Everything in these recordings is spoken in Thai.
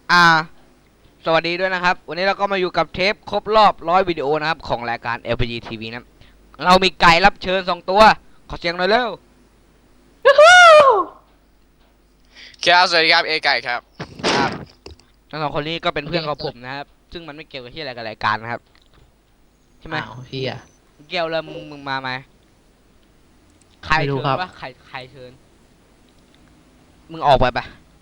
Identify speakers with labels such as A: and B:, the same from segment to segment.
A: อ่าสวัสดีด้วยนะครับวันนี้เราก็มาอยู่กับเทปครบรอบ100วิดีโอนะครับของรายการ LPG TV นะเรามีไก่รับเชิญ2 ตัวขอเสียงหน่อยเร็ว
B: ครับสวัสดีครับเอไก่ครับ
A: ครับทั้ง2 คนนี้ก็เป็น
C: โอเค
A: เพื่อนของผม
C: สวัสดี
A: นะครับซึ่งมันไม่เกี่ยวกับที่อะไรกับรายการนะครับใช่ไหม
C: อ้าวเฮีย
A: เกี่ยวเลยมึงมาไหมใคร
C: ไม่รู้
A: เชิญ
C: ครับ
A: วะใครเชิญมึงออกไปปะ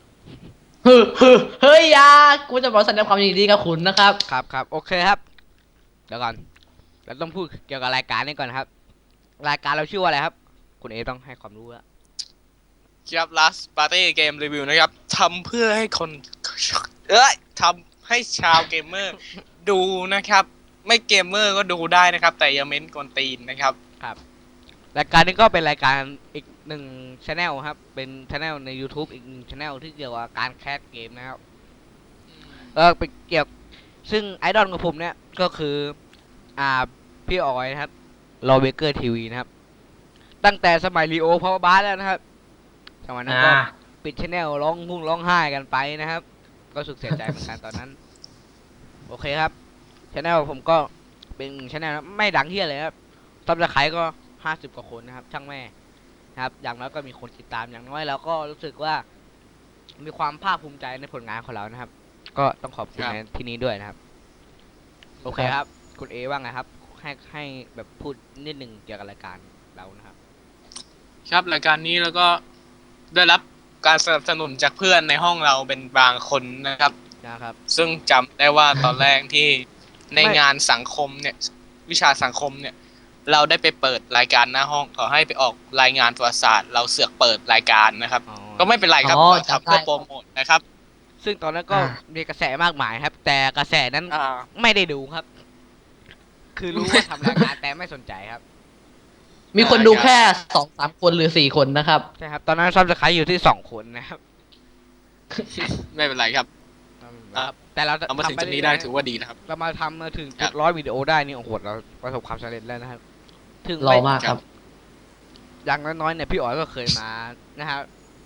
C: เฮ้ยยากูจะบอกแสดงความยินดีกับคุณนะครับ
A: ครับโอเคครับเดี๋ยวก่อนเราต้องพูดเกี่ยวกับรายการนี้ก่อนครับรายการเราชื่อว่าอะไรครับคุณเอต้องให้ความรู้แล้ว
B: ครับ Last Party Game Review นะครับทำเพื่อให้คนทำให้ชาวเกมเมอร์ดูนะครับไม่เกมเมอร์ก็ดูได้นะครับแต่อย่าเม้นกวนตีนนะครับ
A: รายการนี้ก็เป็นรายการอีกหนึ่งช anel ครับ เป็นช anel ใน YouTube อีกหนึ่งช anel ที่เกี่ยวกับการแคสเกมนะครับเป็นเกี่ยวซึ่งไอดอลของผมเนี่ยก็คือพี่ออยนะครับโรเบเกอร์ทีวีนะครับตั้งแต่สมัยรีโอพาวบาร์แล้วนะครับสมัยนั้นก็ปิดช anel ร้องไห้กันไปนะครับก็สุดเสียใจเหมือนกันตอนนั้นโอเคครับช anel ผมก็เป็นช anel ไม่ดังเที่ยเลยครับซับสไครต์ก็50 กว่าคนนะครับช่างแม่นะครับอย่างน้อยก็มีคนติดตามอย่างน้อยเราก็รู้สึกว่ามีความภาคภูมิใจในผลงานของเรานะครับก็ต้องขอบคุณในที่นี้ด้วยนะครับโอเคครับคุณเอว่าไงครับให้แบบพูดนิดหนึ่งเกี่ยวกับรายการเรานะครับ
B: ครับรายการนี้แล้วก็ได้รับการสนับสนุนจากเพื่อนในห้องเราเป็นบางคนนะครับซึ่งจำได้ว่าตอนแรกที่ในงานสังคมเนี่ยวิชาสังคมเนี่ยเราได้ไปเปิดรายการหน้าห้องขอให้ไปออกรายงานประวัติศาสตร์เราเสือกเปิดรายการนะครับก็ไม่เป็นไรครับเราทำเพื่อโปรโมทนะครับ
A: ซึ่งตอนนั้นก็มีกระแสมากมายครับ แต่กระแสนั้นไม่ได้ดูครับ คือรู้ว่าทำรายการแต่ไม่สนใจครับ
C: มีคนดูแค่2-3 คนหรือ4 คนนะครับ
A: ใช่ครับตอนนั้นซับสไครต์อยู่ที่2 คนนะครับ
B: ไม่เป็นไรครับ
A: แต่เรา
B: เอามาถึงจุดนี้ได้ถือว่าดีนะครับ
A: เรามาทำมาถึงจุด100วิดีโอได้นี่โอ้โหเราประสบความสำเร็จแล้วนะครับถึง
C: รอมากครับ
A: อย่างน้อยๆเนี่ยพี่อ๋อยก็เคยมานะครับ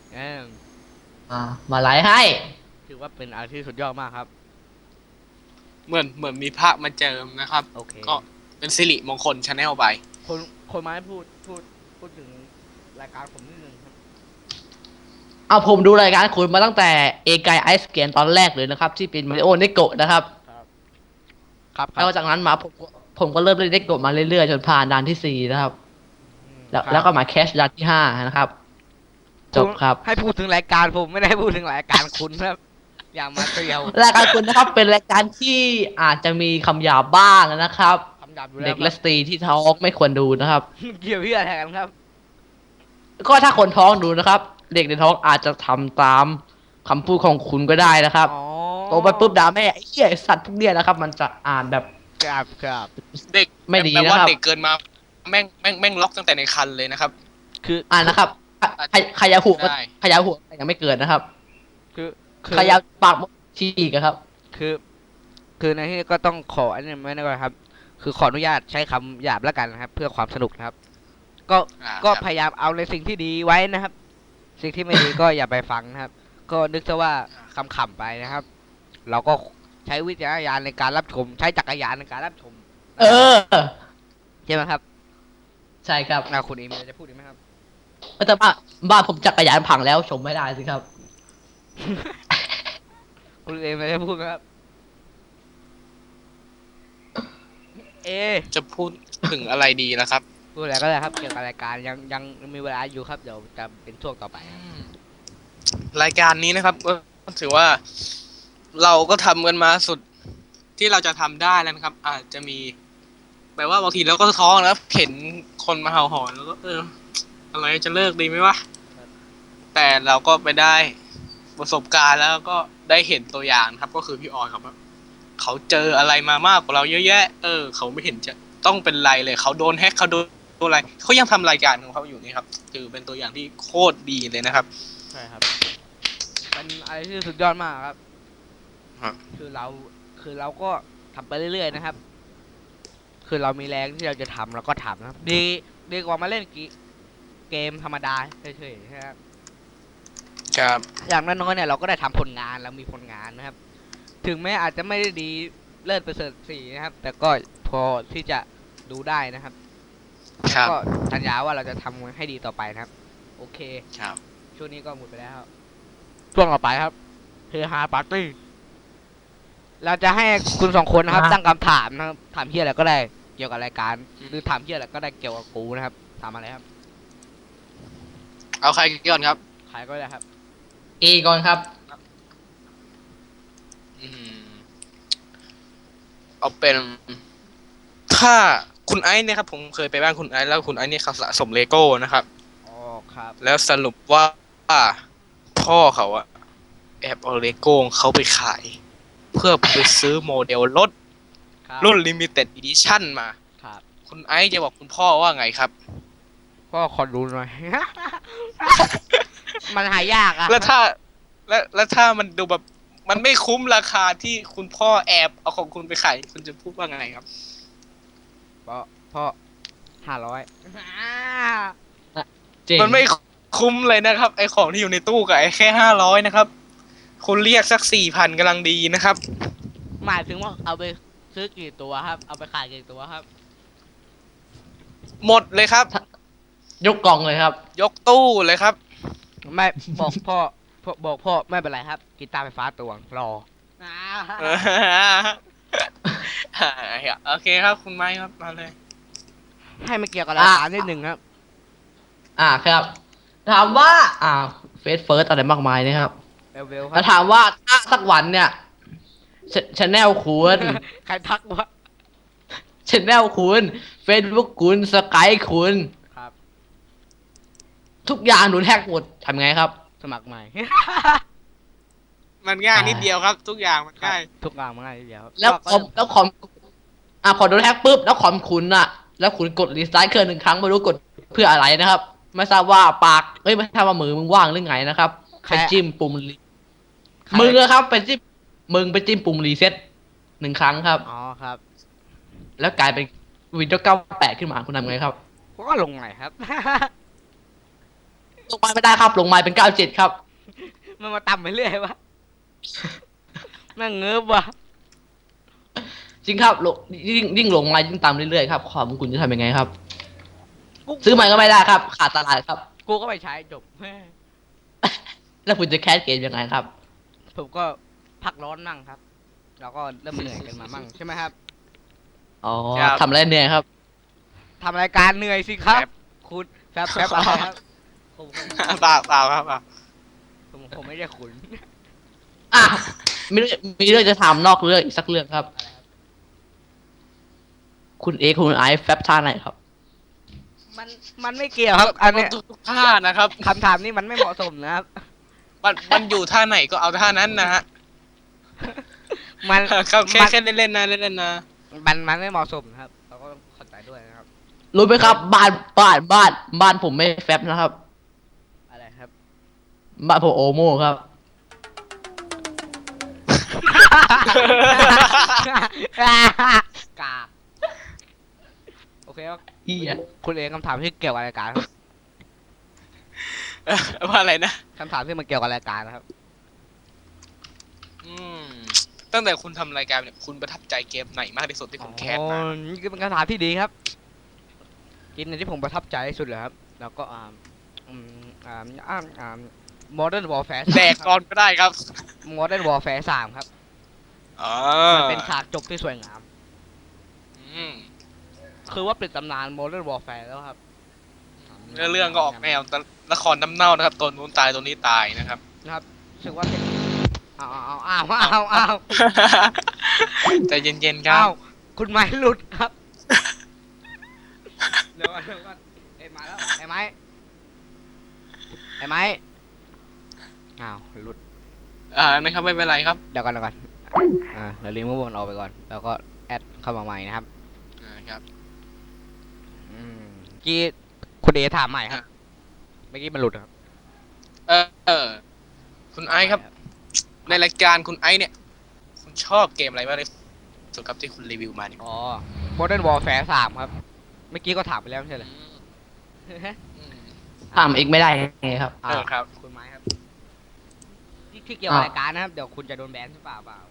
C: มาไลฟ์ให้
A: ถือว่าเป็นอะไรที่สุดยอดมากครับ
B: เหมือนมีพระมาเจิมนะครับก็เป็นสิริมงคลชาแนลไป
A: คนมาให้พูดถึงรายการผมนิดนึงครับ
C: เอาผมดูรายการคุณมาตั้งแต่เอไกไอสเกนตอนแรกเลยนะครับที่เป็นมาริโอเนโกะนะครับแล้วจากนั้นมาผมก็เริ่มเล่นเนโกะมาเรื่อยๆจนผ่านด่านที่4นะครับแล้วก็มาแคชด่านที่5นะครับจบครับ
A: ให้พูดถึงรายการผมไม่ได้พูดถึงรายการคุณครับอย่ามาเตียว
C: รายการคุณนะครับเป็นรายการที่อาจจะมีคำหยาบบ้างนะครับเด็กและสตรีที่ท้องไม่ควรดูนะครับ
A: เกี่ยวพี่อะไรกันครับ
C: ก็ถ้าคนท้องดูนะครับเด็กในท้องอาจจะทำตามคำพูดของคุณก็ได้นะครับโตไปปุ๊บด่าแม่ไอ้เหี้ยสัตว์พวกเนี้ยนะครับมันจะอ่านแบบ
A: ครับ
B: เด็ก
C: ไม่ดี
B: นะครับ
C: เ
B: ด็กเกินมาแม่งล็อกตั้งแต่ในคันเลยนะครับ
C: คือนะครับขยาหัวยังไม่เกิดนะครับ
A: คือ
C: ขยาปากฉีกครับ
A: คือในที่ก็ต้องขออันนี้ไม่ได้ก่อนครับคือขออนุญาตใช้คำหยาบแล้วกันนะครับเพื่อความสนุกนะครับก็พยายามเอาในสิ่งที่ดีไว้นะครับสิ่งที่ไม่ดีก็อย่าไปฟังนะครับก็นึกซะว่าขำๆไปนะครับเราก็ใช้วิจารณญาณในการรับชมใช้จักรยานในการรับชมใช่ไหมครับ
C: ใช่ครับ
A: คุณเอมจะพูดไหมครับ
C: แต่บ้านผมจักรยานพังแล้วชมไม่ได้สิครับ
A: คุณเอมจะพูดไหมครับ
B: จะพูดถึงอะไรดีนะครับ
A: พูดอะไรก็ได้ครับเกี่ยวกับรายการยังมีเวลาอยู่ครับเดี๋ยวจะเป็นช่วงต่อไป
B: รายการนี้นะครับก็ถือว่าเราก็ทำกันมาสุดที่เราจะทำได้แล้วนะครับอาจจะมีแปลว่าบางทีเราก็ท้อนะเห็นคนมาเห่าหอนแล้วก็อะไรจะเลิกดีไหมวะแต่เราก็ไปได้ประสบการณ์แล้วก็ได้เห็นตัวอย่างครับก็คือพี่ออยครับเขาเจออะไรมามากกว่าเราเยอะแยะเขาไม่เห็นจะต้องเป็นไรเลยเขาโดนแฮกเขาโดนอะไรเขายังทำรายการของเขาอยู่นี่ครับถือเป็นตัวอย่างที่โคตรดีเลยนะครับ
A: ใช่ครับเป็นอะไรที่สุดยอดมากครับคือเราก็ทำไปเรื่อยๆนะครับคือเรามีแรงที่เราจะทำเราก็ทำนะครับดีกว่ามาเล่นเกมธรรมดาเฉยๆนะครับ
B: ครับ
A: อย่างน้อยๆเนี่ยเราก็ได้ทำผลงานแล้วมีผลงานนะครับ ถึงแม้อาจจะไม่ได้ดีเลิศประเสริฐสีนะครับ แต่ก็พอที่จะดูได้นะครับ
B: ครับ
A: ก็สัญญาว่าเราจะทำให้ดีต่อไปนะครับ โอเค
B: ครับ
A: ช่วงนี้ก็หมดไปแล้วครับช่วงต่อไปครับเฮฮาปาร์ตี้เราจะให้คุณสองคนนะครับ ตั้งคำถามนะครับถามเฮียอะไรก็ได้เกี่ยวกับรายการ หรือถามเฮียอะไรก็ได้เกี่ยวกับกูนะครับถามอะไรครับ
B: เอาใครก่อนครับ
A: ใครก็ได้ครับ
C: เอก่อนครับ
B: อืมเอาเป็น ถ้าคุณไอซ์เนี่ยครับ ผมเคยไปบ้านคุณไอซ์แล้วคุณไอซ์เนี่ยเขาสะสมเลโก้นะครับ
A: อ๋อครับ
B: แล้วสรุปว่าพ่อเขาอะแอบเอาเลโก้ของเขาไปขาย เพื่อไปซื้อโมเดลรถ
A: ครับ
B: รุ่น Limited Edition มา
A: ครับ
B: คุณไอซ์จะบอกคุณพ่อว่าไงครับ
A: ก็ขอดูหน่อย มันหายากอะ
B: แล้วถ้ามันดูแบบมันไม่คุ้มราคาที่คุณพ่อแอบเอาของคุณไปขายคุณจะพูดว่าไงครับ
A: พ่อ500
C: เจ๋ง
B: มันไม่คุ้มเลยนะครับ ไอของที่อยู่ในตู้กับไอแค่500นะครับ คุณเรียกสัก4,000กำลังดีนะครับ
A: หมายถึงว่าเอาไปซื้อกี่ตัวครับ เอาไปขายกี่ตัวครับ
B: หมดเลยครับ
C: ยกกล่องเลยครับ
B: ยกตู้เลยครับ
A: ไม่บอกพ่อไม่เป็นไรครับกีตาร์ไฟฟ้าตัวรอ
B: โอเคครับ คุณไม้ครับมาเลย
A: ให้มันเกี่ยวกับรายการนิดหนึ่งครับ
C: ครับ ถามว่าเฟซเฟิร์สอะไรมากมายนะครับ
A: เวลค
C: แล้
A: รั
C: ว
A: บ
C: ถามว่าถ้าสักวันเนี่ยชแนลคุณ
A: ใครทักวะ
C: ชแนลคุณเฟซบุ๊กคุณสกายคุณ
A: ครับ
C: ทุกอย่างโดนแฮกหมดทำไงครับ
A: สมัครใหม่
B: มันง่ายนิดเดียวครับ ทุกอย่างมันง่าย
A: ทุกอย่างมันง่ายทีเดียวครับ
C: แล้ว
A: ก็
C: คอมแล้วคอมพอโดนแฮกปุ๊บแล้วคอมคุณอะแล้วคุณกดรีสตาร์ทเครื่องหนึ่งครั้งไม่รู้กดเพื่ออะไรนะครับ ไม่ทราบว่าปากไม่ทราบว่ามือมึงว่างหรือไงนะครับไปจิ้มปุ่มมึงอะครับไปจิ้มมึงไปจิ้มปุ่มรีเซ็ต1 ครั้งครับ
A: อ๋อครับ
C: แล้วกลายเป็นWindows 98ขึ้นมาคุณทำไงครับ
A: ก็ลงใหม่ครับ
C: ลงมาไม่ได้ครับลงมาเป็น97ครับ
A: มันมาต่ำไปเรื่อยวะแม่งเงิบวะ
C: จริงครับลงยิ่งลงมายิ่งต่ำเรื่อยๆครับคอมคุณจะทำยังไงครับ ซื้อใหม่ก็ไม่ได้ครับ ขาดตลาดครับ
A: กูก็ไปใช้จบ
C: แล้วคุณจะแคสเกมยังไงครับ
A: ผมก็พักร้อนมั่งครับ แล้วก็เริ่มเหนื่อยกันมามั่งใช่ไหมครับ
C: อ๋อ
B: ครับ
C: ทำอะไรเนี่ยครับ
A: ทำรายการเหนื่อยสิครับ
B: แฟบ
A: คุณแฟบอะไรครับผม
B: เปล่าครับเปล่า
A: ผมไม่ได้ขุน
C: อ่ะมีเรื่องจะถามนอกเรื่องอีกสักเรื่องครับ คุณเอคุณไอซ์แฟบท่าไหนครับ
A: มันไม่เกี่ยวครับ อันเนี้ย
B: ทุกท่านะครับ
A: คำถามนี้มันไม่เหมาะสมนะครับ
B: มันอยู่ท่าไหนก็เอาท่านั้นนะฮะ
A: มัน
B: ครับแค่เล่นๆนะเล่นๆนะ
A: มันไม่เหมาะสมนะครับ เราก็ต้องเข้าใจด้วยนะครับ
C: รู้ไหมครับ บ้านผมไม่แฟบนะครับ
A: อะไรครับ
C: บ้านผมโอโม่ครับ
A: กากโอเคครับ
C: เหี้ย
A: คุณเองคำถามที่เกี่ยวกับรายการครับ
B: ว่าอะไรนะ
A: คำถามที่มันเกี่ยวกับรายการนะครับ
B: อืมตั้งแต่คุณทำรายการเนี่ยคุณประทับใจเกมไหนมากที่สุดที่คุณแคสมา
A: อ๋อนี่คือเป็นคำถามที่ดีครับเกมหนึงที่ผมประทับใจที่สุดเลยครับ แล้วก็Modern Warfare
B: แดกก่อนก็ได้ครับ
A: Modern Warfare 3 ครับ
B: อ๋อ
A: มันเป็นฉากจบที่สวยงาม
B: อืม
A: คือว่าปิดตำนาน Modern Warfare แล้วครับ
B: เรื่องก็ออกแนวละครน้ำเน่านะครับตัวนู้นตายตัวนี้ตายนะครับ
A: นะครับรู้สึกว่าเป็นอ้าว
B: ใจเย็นๆครั
A: อ้า
B: บ
A: วคุณไม้หลุดครับ เดี๋ยวก่อนเอ้ยมาแล้วไอ้ไม้อ้าวหลุด
B: นะครับไม่เป็นไรครับ
A: เดี๋ยวก่อนเราลิงก์มันออกไปก่อน แล้วก็แอดเข้ามาใหม่นะครับ
B: ครับ
A: เมื่อกี้คุณเอถามใหม่ครับ เมื่อกี้มันหลุดครับ
B: คุณไอซ์ครับ ในรายการคุณไอซ์เนี่ย คุณชอบเกมอะไรบ้างที่สุดครับที่คุณรีวิวมาเนี่ย
A: อ๋อ Modern Warfare 3 ครับ เมื่อกี้ก็ถามไปแล้วไม่ใช่เหรอ
B: อืม
C: ถามเองไม่ได้ไงครับ
B: ครับ
A: คุณไม้ครับที่เกี่ยวกับรายการนะครับเดี๋ยวคุณจะโดนแบนใช่เปล่า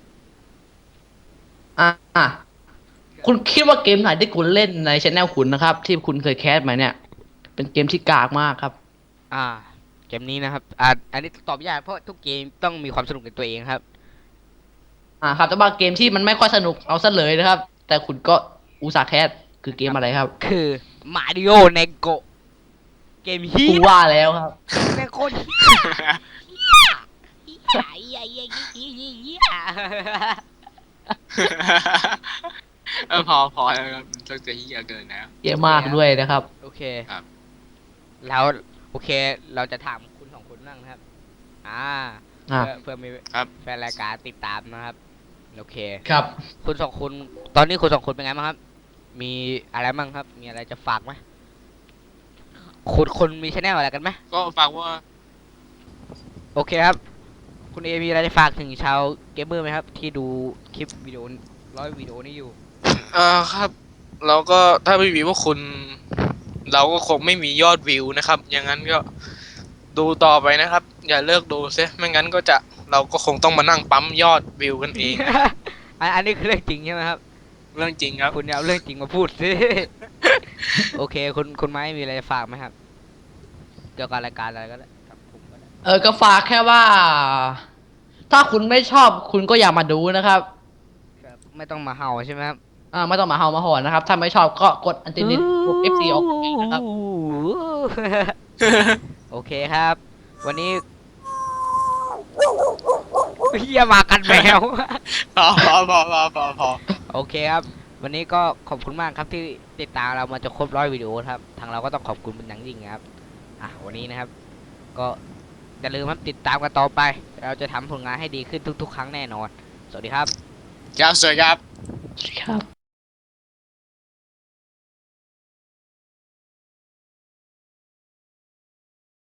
C: อ่ะคุณคิดว่าเกมไหนที่คุณเล่นในช anel คุณนะครับ ที่คุณเคยแคสมาเนี่ย เป็นเกมที่กากมากครับ
A: เกมนี้นะครับอันนี้ตอบยากเพราะทุกเกมต้องมีความสนุกในตัวเองครับ
C: ครับแต่ว่าเกมที่มันไม่ค่อยสนุกเอาซะเลยนะครับ แต่คุณก็อุตส่าห์แคสคือเกมอะไรครับ
A: คือมาริโอเนโกเกมฮี
C: กูว่าแล้วครับ
A: แม่งโคตรเฮีย
B: พอแล้วครับมันจะเหี้ยเกินแล้ว
C: เยอะมากด้วยนะครับ
A: โอเค
B: ครับ
A: แล้วโอเค เราจะถามคุณสองคนบ้างนะครับ เพื่อมี
B: ครับ
A: แฟนรายการติดตามนะครับ โอเค
C: ครับ
A: คุณสองคนตอนนี้คุณสองคนเป็นไงบ้างครับ มีอะไรบ้างครับ มีอะไรจะฝากไหมคุณมีชแนลอะไรกันไหม
B: ก็ฝากว่า
A: โอเคครับ คุณเอมีอะไรจะฝากถึงชาวเกมเมอร์ไหมครับ ที่ดูคลิปวิดีโอวิดีโอนี้อยู่
B: ครับเราก็ถ้าไม่มีพวกคุณ เราก็คงไม่มียอดวิวนะครับอย่างนั้นก็ดูต่อไปนะครับ อย่าเลิกดูเสียไม่งั้นก็จะเราก็คงต้องมานั่งปั๊มยอดวิวกันเอง
A: อันนี้คือเรื่องจริงใช่ไหมครับ
B: เรื่องจริงครับ
A: คุณอย่าเอาเรื่องจริงมาพูดสิ โอเค คุณไม้มีอะไรจะฝากไหมครับ เกี่ยวกับรายการอะไรก็ได้ครับผมก็ได้
C: ก็ฝากแค่ว่า ถ้าคุณไม่ชอบคุณก็อย่ามาดูนะครับ
A: ครับไม่ต้องมาเห่าใช่ไหมครับ
C: ไม่ต้องมาเฮามาหอนนะครับ ถ้าไม่ชอบก็กดอันตินิตกด FC ออกเองนะครับ
A: โอเคครับ วันนี้เฮียมากันแมว
B: พอ
A: โอเคครับ วันนี้ก็ขอบคุณมากครับที่ติดตามเรามาจะครบ100 วิดีโอครับ ทางเราก็ต้องขอบคุณเป็นอย่างยิ่งนะครับ วันนี้นะครับ ก็อย่าลืมครับติดตามกันต่อไป เราจะทำผลงานให้ดีขึ้นทุกๆ ครั้งแน่นอน สวัสดีครับ
B: ครับสวัสดีครับ
C: ครับ